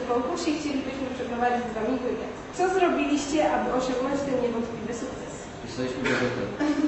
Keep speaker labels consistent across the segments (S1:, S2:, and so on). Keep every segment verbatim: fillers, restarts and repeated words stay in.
S1: konkursie i chcielibyśmy przeprowadzić z Wami wywiad. Co zrobiliście, aby osiągnąć ten niewątpliwy sukces?
S2: Pisaliśmy gazetę.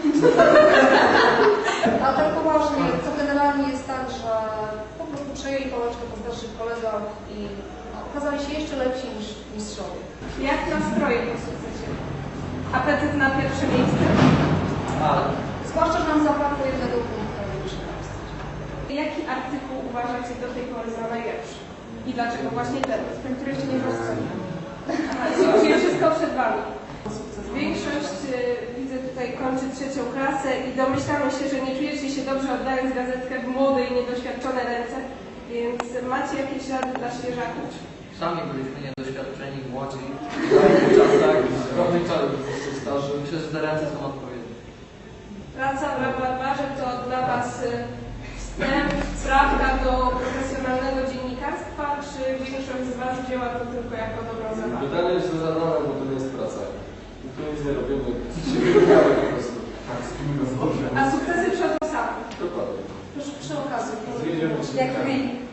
S3: A tak poważnie, to generalnie jest tak, że po prostu przejęli pałeczkę po starszych kolegach i no, okazali się jeszcze lepsi niż mistrzowie.
S1: Jak nastroje po sukcesie? Apetyt na pierwsze miejsce?
S2: Ale.
S3: Zwłaszcza, że nam zabrakło jednego punktu na pierwszym miejscu.
S1: Jaki artykuł uważacie do tej pory za najlepszy? I dlaczego właśnie ten, ten, który jeszcze nie rozsądził? Czyli wszystko przed Wami. Większość, y, widzę tutaj, kończy trzecią klasę i domyślamy się, że nie czujecie się dobrze oddając gazetkę w młode i niedoświadczone ręce, więc macie jakieś rady dla świeżaków?
S2: Sami byliśmy niedoświadczeni, młodzi. W czasach, w pewnych czasach starzy. Myślę, że te ręce są odpowiednie.
S1: Praca w laboratorze to dla Was y, wstęp, prawda, do profesjonalnego dziennikarstwa, czy większość z Was wzięła to tylko jako dobrą zabawę?
S4: Pytanie jest zadane, bo to nie jest praca. Tu nic nie robimy, się wyglądamy po prostu.
S1: A sukcesy przychodzą same.
S4: Dokładnie.
S3: Już przy okazji.
S4: Zwiedziemy się.
S3: Jak wy.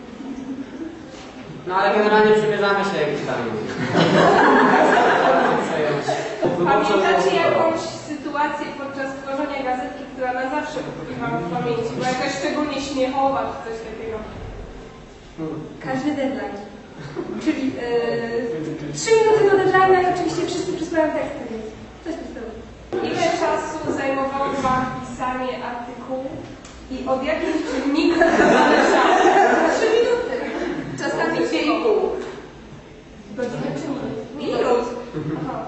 S5: No ale generalnie przymierzamy się jakiś tam.
S1: Pamiętacie jakąś sytuację podczas tworzenia gazetki, która na zawsze utkwi Wam w pamięci? Była jakaś szczególnie śmiechowa czy coś takiego?
S6: Każdy deadline. Czyli yy, trzy minuty do deadline i oczywiście wszyscy przysłają teksty, więc coś w tym stylu.
S1: Ile czasu zajmowało Wam pisanie artykułu i od jakich czynników to zależało? Trzy minuty. Czasami dwie i pół. Godziny czy minut? Minut. Aha.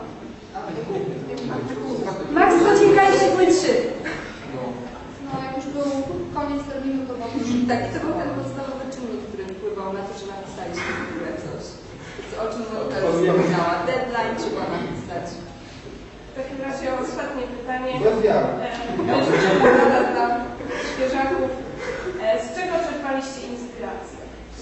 S6: Max dociągaliście były trzy.
S3: No jak już był koniec terminu, to było już...
S7: Tak, i to był ten podstawowy czynnik, który wpływał na to, że napisaliśmy w ogóle coś. O czym Monika już wspomniała. Deadline trzeba napisać.
S1: W takim razie ostatnie pytanie.
S7: Rada dla
S1: Świeżaków. E, Z czego czerpaliście inspirację?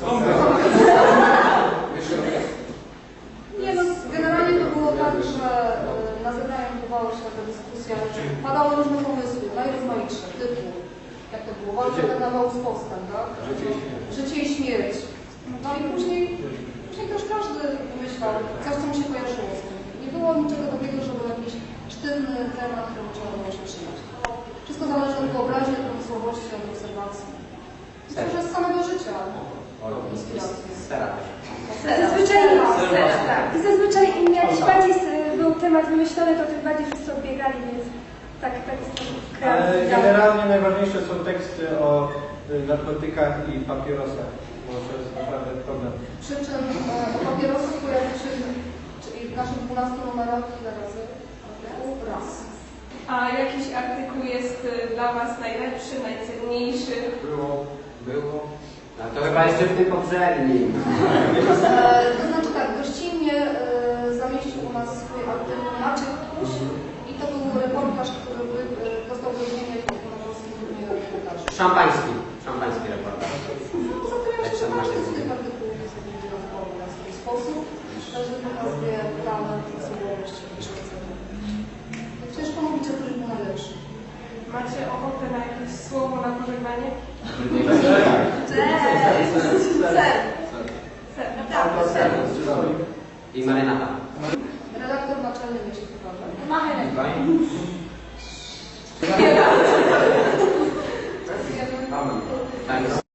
S3: Nie no, generalnie to było tak, że y, na zebraniu odbywała się taka dyskusja, padały różne pomysły, najrozmaitsze, typu, jak to było, walka karnawału z postem, tak? Życie i śmierć. No i później, później też każdy wymyślał coś, co mu się kojarzyło z tym. Nie było niczego takiego, żeby jakiś sztywny temat, który trzeba było się trzymać. Wszystko zależy od wyobraźni, od pomysłowości, od obserwacji. Myślę, że z samego życia.
S5: Stara.
S6: Zazwyczaj, tak, zazwyczaj im jakiś bardziej był temat wymyślony, to tym bardziej wszyscy odbiegali, więc tak, tak jest to.
S8: Ale generalnie najważniejsze są teksty o narkotykach i papierosach, bo to jest naprawdę problem.
S3: Przy czym e, o papierosach pojawił się czyli w naszych dwunastu numerach ile razy? Raz.
S1: A jakiś artykuł jest y, dla Was najlepszy, najcenniejszy?
S4: Było, było.
S5: No to chyba jeszcze w tym poprzednim.
S3: E, to znaczy tak, gościnnie e, zamieścił u nas swój artykuł Maciek Kuś i to był reportaż, który wy, e, dostał wyróżnienie w Ogólnopolskim Turnieju Reportaży.
S5: Szampański. Szampański reportaż.
S3: No, zatem jeszcze każdy z tych artykułów jest wyjątkowy na swój sposób. Każdy pokazuje talent, osobowość i szkodzenie. Jak ciężko mówić, że ktoś był najlepszy.
S1: Macie ochotę na jakieś słowo na pożegnanie?
S3: Ser.
S5: I marynata.
S3: Redaktor naczelny mieści uważa.
S6: Machy.
S5: Tak.